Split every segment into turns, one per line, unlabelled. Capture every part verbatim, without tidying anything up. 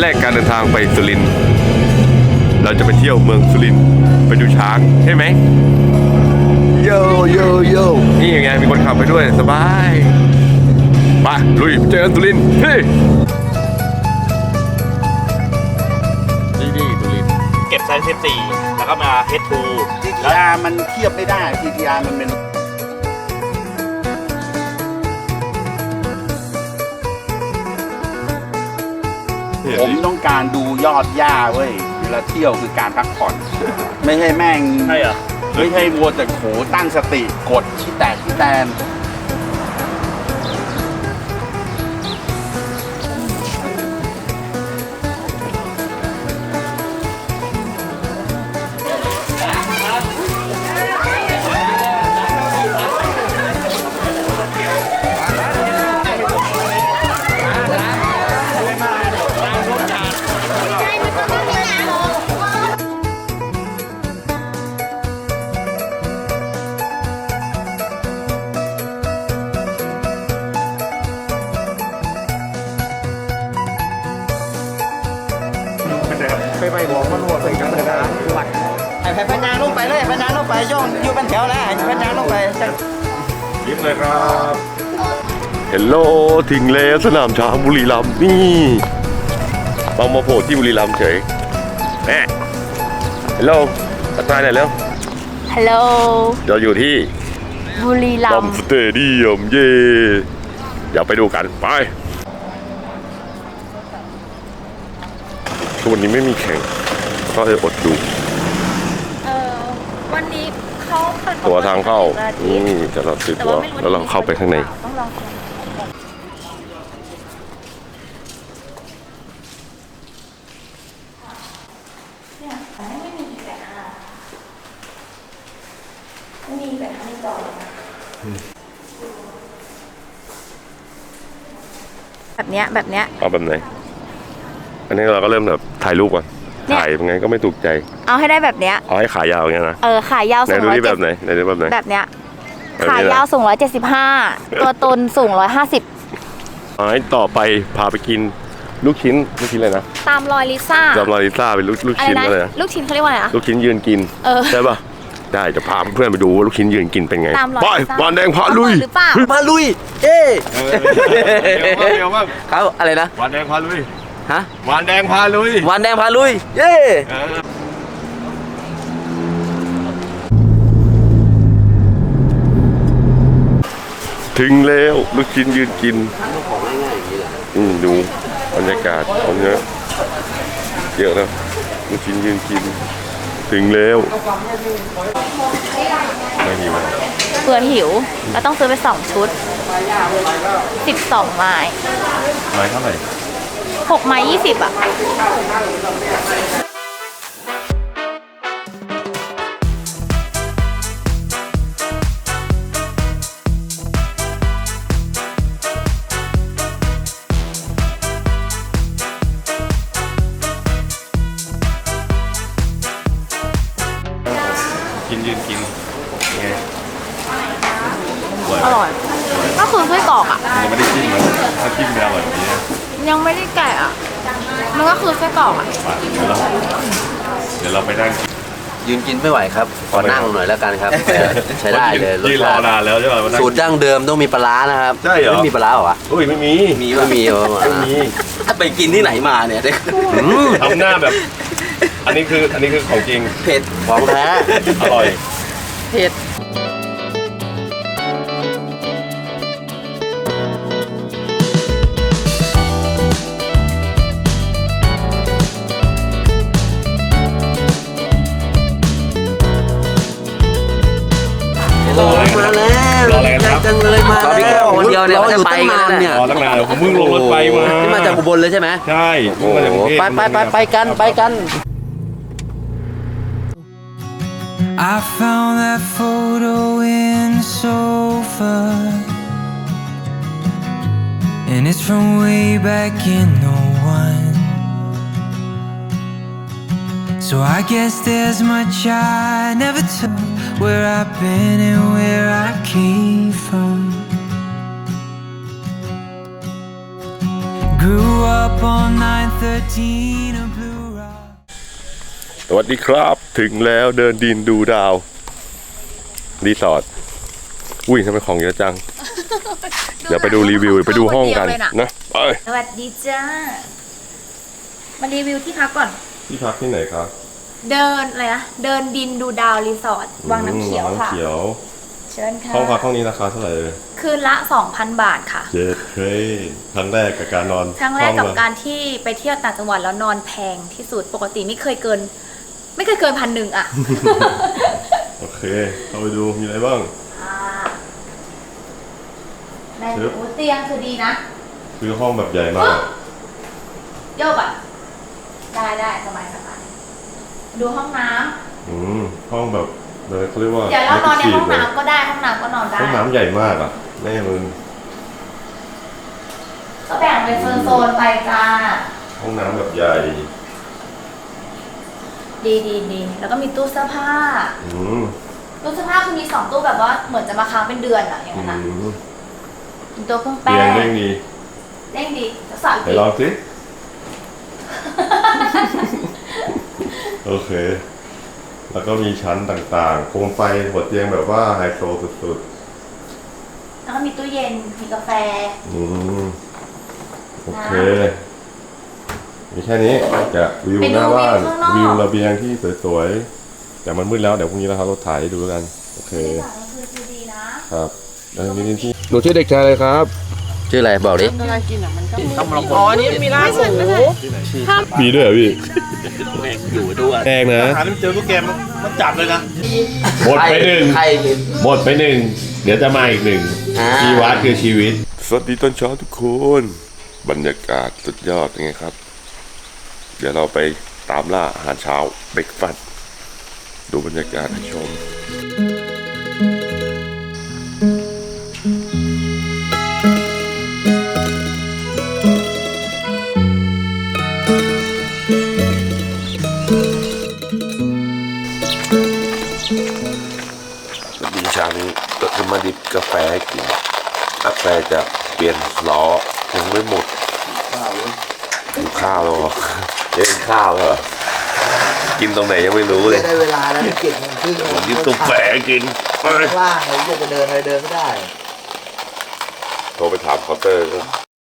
แรกการเดินทางไปสุรินทร์เราจะไปเที่ยวเมืองสุรินทร์ไปดูช้างใช่ไหมโยโยโยนี่ยังไงมีคนขับไปด้วยสบายไปลุยเจอกันสุรินทร์เฮ้ยนี่นี่สุรินทร์
เก็บไซส์สิบสี่แล้วก็มาเฮดทู
ที ที อาร์ มันเทียบไม่ได้ ที ที อาร์ มันเป็นผมต้องการดูยอดหญ้าเว้ยเวลาเที่ยวคือการพักผ่อน ไม่ใช่แม่ง
ใช่เหรอ
ไม่ใช่วัวแต่โขตั้งสติกดที่แตกที่แตน
ไปไปบอกมันหัวใส่กันเลยนะวัดไอ้แผ่นพญางลงไปเลยพญางลงไปย่องอยู่เป็นแถวแล้วไอ้พญางลงไปจัง
ยิ้มเลยครับเฮลโลถึงแล้วสนามช้างบุรีรัมย์นี่เรามาโผล่ที่บุรีรัมย์เฉยแม่เฮลโลทักทายหน่อยเร็ว
ฮัลโหล
เราอยู่ที่
บุรีรั
บอ
ม
ม
ย์
สเตเดียมเย่อย่าไปดูกันไปคือวันนี้ไม่มีแข่งก็เลยอดดู
เออวันนี้เขาเปิด
ตัวทางเข้า
วันอาทิ
นี่
ตย์
จะเราซื้อ
แต่
ตัว
ว่าไม่รู้
แล้วเราเข้าไปข้างใน
ต้องลองเนี่ยไม่มีแปดห้าไม่มีแปดห้าจอแบบเนี้ยแบบเนี้ย
เอาแบบไหนอันนี้เราก็เริ่มแบบถ่ายรูปก่อน
เนี่ย
ถ่ายยังไงก็ไม่ถูกใจ
เอาให้ได้แบบเนี้ย
เอาให้ขายาวอย่างเงี้ยนะ
เออขายาว
ไหน
สูง
ดู
ร้อย
ที่
เจ็
แบ
ด
บไหนไหนดูแบบไหน
แบบเนี้ย
แบบ
ขา
นี้นะ
ยาวสูงร้อยเจ็ดสิบห้าตัวตนสูงร้อยห้าสิบ
ไม้ต่อไปพาไปกินลูกชิ้นลูกชิ้นอะไรนะ
ตามรอยลิซ่า
จำลาลิซ่าเป็นลูกลูก
อะไร
ชิ้น
นะ
อะไรนะ
ลูกชิ้นเขาเรียกว่าอะไรนะ
ลูกชิ้นยืนกิน
เออ
ใช่ป่ะได้จะพาเพื่อนไปดูว่าลูกชิ้นยืนกินเป็นไง
ตามรอย
ไป
ลิซ่า
บานแดงพาลุย
หรือเปล่า
มาลุยเอ้
เดี๋ยวมาก
เขาอะไรนะ
บานแดงพาลุย
ฮะ
บานแดงพาลุย
วันแดงพาลุยเย้
ถึงแล้วลูกชิ้นยืนกินอืมดูบรรยากาศของเยอะเยอะนะลูกชิ้นยืนกิน ถึงแล้วไม่หิว
เพื่อหิวเราต้องซื้อไปสองชุดสิบสองไม้
ไม้เท่าไหร่
หกไม้ยี่สิบอ่ะ
กินยืนกินไง
อร่อย ก็คือไส้กรอกอ่ะ
ยังไม่ได้จิ้มเลยถ้าจิ้มจะอร่อยแบบนี้นะ
ยังไม่ได้แกะอ่ะ มันก็คือไส้กรอกอ่ะ
เดี๋ยวเราเดี๋ยวเราไปนั่ง
ยืนกินไม่ไหวครับขอนั่งหน่อยแล้วกันครับใช้ได้เลยรส
ยืนรอ
ชาติ
นานแล้วใช่ไหมมานั่ง
สูตรดั้งเดิมต้องมีปลาร้านะครับ
ใช่เหรอ
ไม่มีปลาร้าเหรอวะ
อุ้ยไม่มี
มีว่ามีวะ
ไม่มี
ไปกินที่ไหนมาเนี่ย อืม
ทำหน้าแบบ อันนี้คืออันนี้คือของจริง
เผ็ดของแท้
อร่อย
เผ็ด
โอ้ย
มาแล้ว
รออะไรกันครับ
จังเลยมาแล้วคนเดียวเนี่ย
รออยู่
จะไป
ตั้ง
กัน
นาน
แล้ว
เนี่
เนี่ย ย
รอตั้งนานผมเพิ่งลงรถไฟมา
นี่มาจากอุบลเลยใช่ไหม
ใช่เพิ่งมาจากกรุงเทพ
ไปไปไปไปกันไปกัน
I found that photo in the sofa, and it's from way back in oh one. So I guess there's much I never told, where I've been and where I came from. Grew up on nine thirteen of Blue Rock.
สวัสดีครับถึงแล้วเดินดินดูดาวรีสอร์ทอุ้ยทำไมของเยอะจัง เดี๋ยวไปดูรีวิวไปดูห้องกันนะไป
สวัสดีจ้า มารีวิวที่พักก่อน
ที่พักที่ไหนครับ
เดินอะไรนะ เดินดินดูดาวรีสอร์ทวังน้ำเขียวค่ะ
วังน้ำเขียว
เชิญค่ะ
ห้องพักห้องนี้ราคาเท่าไหร่เลย
คืนละ สองพัน บาทค่ะ
เจ็ดเคยครั้งแรกกับการนอน
ครั้งแรกกับ
ห้อละ
การที่ไปเที่ยวต่างจังหวัดแล้วนอนแพงที่สุด ปกติไม่เคยเกิน ไม่เคยเกินพันหนึ่งอะ
โอเคเข้าไปดูมีอะไรบ้าง
อ่าใน
ครับ
โอ้เตียงคือดีนะ
คือห้องแบบใหญ่มาก
โยกอ่ะ ได้ได้สบายสบายดูห้องน้
อืมห้องแบบเลยเขาเรียกว่า
ำเดี๋ยวเรานอนในห้อง
เลย
น้ำก็ได้ห้องน้ำก็นอนได้
ห้องน้ำใหญ่มากอ่ะแม่มึง
ก็แบ่งเป็นโซนๆไปจ้า
ห้องน้ำแบบใหญ่
ดีดีดีแล้วก็มีตู้เสื้อผ้า
อืม
ตู้เสื้อผ้าคือมีสองตู้แบบว่าเหมือนจะมาค้างเป็นเดือนอะอย่าง
อื
นั้นนะ
ม
มีตัวเครื่องแป้
เตียง
ง
เร่งดี
เร่งดีจะสาว
ไหน
อีก
ลองสิ โอเค แล้วก็มีชั้นต่างๆโคมไฟหัวเตียงแบบว่าไฮโซสุด
แล้วก็มีตู้เย็นมีกาแฟ
ๆ อืม โอเค มีแค่นี้จะวิว
ไป
ห
ดู
น้าบ้าน
วิวข้างนอก
วิวระเบียงที่สวยๆ แต่มันมืดแล้วเดี๋ยวพรุ่งนี้เราขับรถถ่ายให้ดูแล้วกัน โอเค
บรรยากาศก็คือคือดีนะครับ
แล้วมีที่หนูชื่อเด็กชายอะไรครับ
ชื่ออะไรบอกดิ
อ๋อนี่มีร้านหมู
มีด้วยเหรอพี่
อยู่ด้วย
แพงนะ
หาไม่เจอลูกแกมมันจับเลยนะ
หมดไปหนึ่ง
ใคร
หมดไปหนึ่ง เดี๋ยวจะมาอีกหนึ่ง
อ่า
ชีวัดคือชีวิต สวัสดีตอนเช้าทุกคน บรรยากาศสุดยอดยังไงครับ เดี๋ยวเราไปตามล่าอาหารเช้าเบรกฟาสต์ดูบรรยากาศให้ชม ดีเช้านี้ก็จะมาดิบกาแฟให้กินกาแฟจะเปลี่ยนล้อยังไม่หมดกินข้าวแล้วเหรอเล่นข้าวแล้วเหรอกินตรงไหนยังไม่รู้เลย
ได้เวลาแล้วเก็บเงินครึ่ง
ผมดิบกาแฟกินไป
ว่างเลยจะเดินอะไรเดินไม่ได้
โทรไปถามเคาน์เตอร์ก็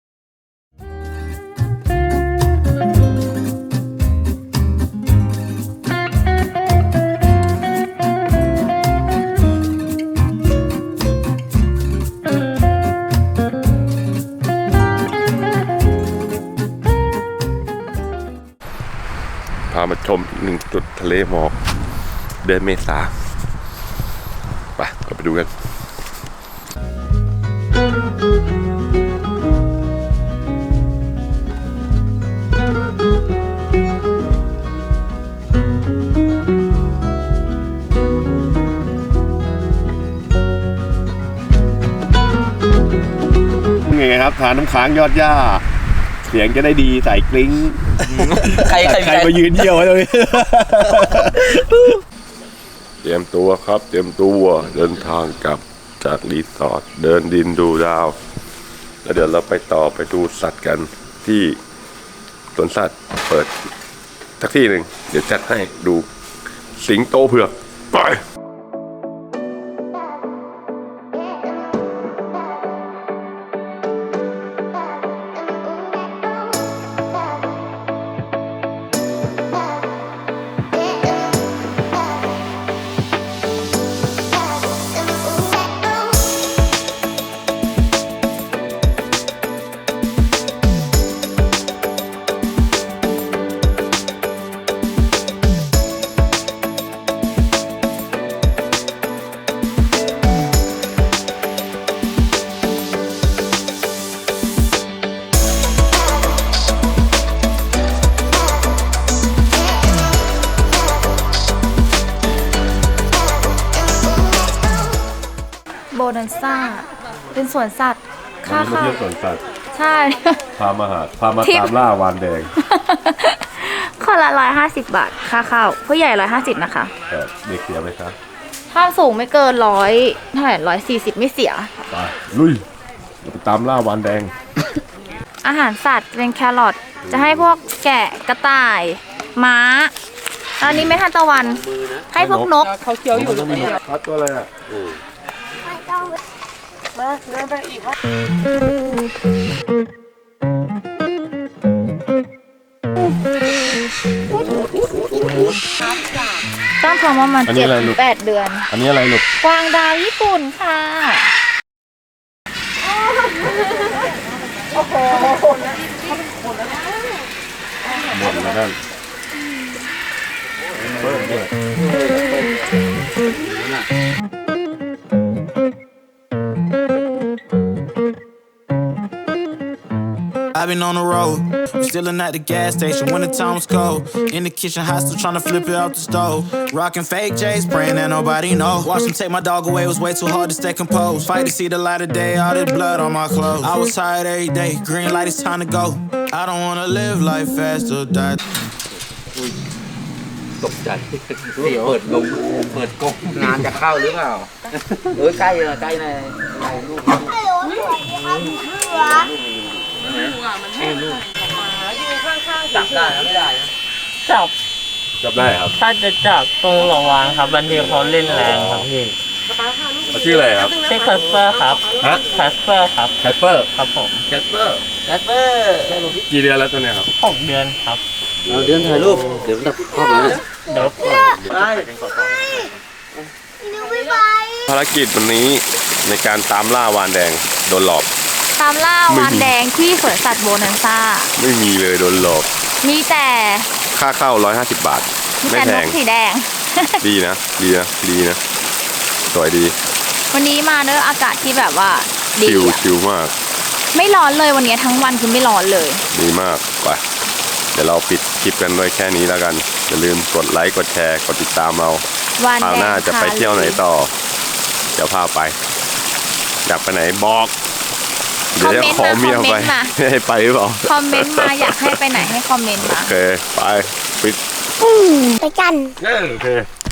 พามาชมอีกหนึ่งจุดทะเลหมอกเดือนเมษาไปเราไปดูกัน ไงครับทานน้ำค้างยอดหญ้า เสียงจะได้ดีใส่กลิ้ง
ใครใคร
ใครมายืนเยี่ยวไว้เลยเตรียมตัวครับ เตรียมตัวเดินทางกลับจากรีสอร์ทเดินดินดูดาว แล้วเดี๋ยวเราไปต่อไปดูสัตว์กันที่สวนสัตว์เปิดสักที่หนึ่งเดี๋ยวจัดให้ดูสิงโตเผือกไป
โบนันซ่า เป็นสวนสัตว์ ค่า
วันนี้มา
เข้า
เที่ยวสวนสัตว์
ใช่
พามาหาพามา
ทิป
ตามล่าวานแดง
คนละร้อยห้าสิบบาท ค่าเข้าผู้ใหญ่ร้อยห้าสิบนะคะ
แต่เด็กเสียไหมครับ
ถ้าสูงไม่เกินร้อยเท่าไหร่ร้อยสี่สิบไม่เสีย
ไปลุยเราไปตามล่าวานแดง
อาหารสัตว์เป็นแครอทจะให้พวกแกะกระต่าย ม้าอันนี้ไม่ทันตะวัน ให้พวกนก
เขาเคี้ยวอยู่
ครับตัวอะไรอ่ะ
มาเดินไปอีกครับ
ต้องท้องประมาณเจ็ดถึงแปดเดือน
อันนี้อะไรลูก
กวางดาวญี่ปุ่นค่ะ
หมดแล้วกัน
I've been on the road, stealing at the gas station when the time was cold. In the kitchen, hot still trying to flip it out the stove. Rocking fake J's, praying that nobody know. Watch them take my dog away, it was way too hard to stay composed. Fight to see the light of day, all this blood on my clothes. I was tired every day, green light, it's time to go. I don't wanna live life fast or die.
ตกใจเปิดกงเปิดกง
งานจะเข้าหรือเปล่าเออใกล้เลยใกล้ในในลูก จับได้ไม่ได้นะ
จับ
จับได้ครับ
ถ้าจะจับตรงระวางครับบางทีเขาเล่นแรงครับพี่
เขาชื่ออะไรครับ
ชื่อแคสเปอร์ครับ
ฮะ
แคสเปอร์ครับ
แคสเปอร์
ครับผม
แคสเปอร์แคสเปอร์
กี่เดือนแล้วตัวเนี้ยครับ
หกเดือนครับ
เราเดินถ่ายรูปเดี๋ยวมันจะครอบนะ
เดี๋ยว
ไป
ภารกิจวันนี้ในการตามล่าวานแดงโดนหลอก
ตามล่าวานแดงที่สวนสัตว์โบนันซ่า
ไม่มีเลยโดนหลอก
มีแต่
ค่าเข้าร้อยห้าสิบบาท
มี
ไม่
แต่
แพ
น
ง
กสีแดง
ดีนะ ดีนะ ดีนะ สวยดี
วันนี้มาเนอะอากาศที่แบบว่าดี
ชิว
อะ
ชิวมาก
ไม่ร้อนเลยวันนี้ทั้งวันคือไม่ร้อนเลย
ดีมากไปเดี๋ยวเราปิดคลิปกันไว้แค่นี้แล้วกัน อย่าลืมกดไลค์ กดแชร์ กดติดตามเรา
วาน
คราว
แด
หน้าง จะไปเที่ยวไหนต่อ เดี๋ยวพาไป อยากไปไหนบอก เดี๋ยวจะขอเมียไปไม่ให้ไปหรือเปล่า
คอมเมนต์มาอยากให้ไปไหนให้คอมเมนต์
โอ
มา
เค ไป ปิด
ไปกัน
โอเค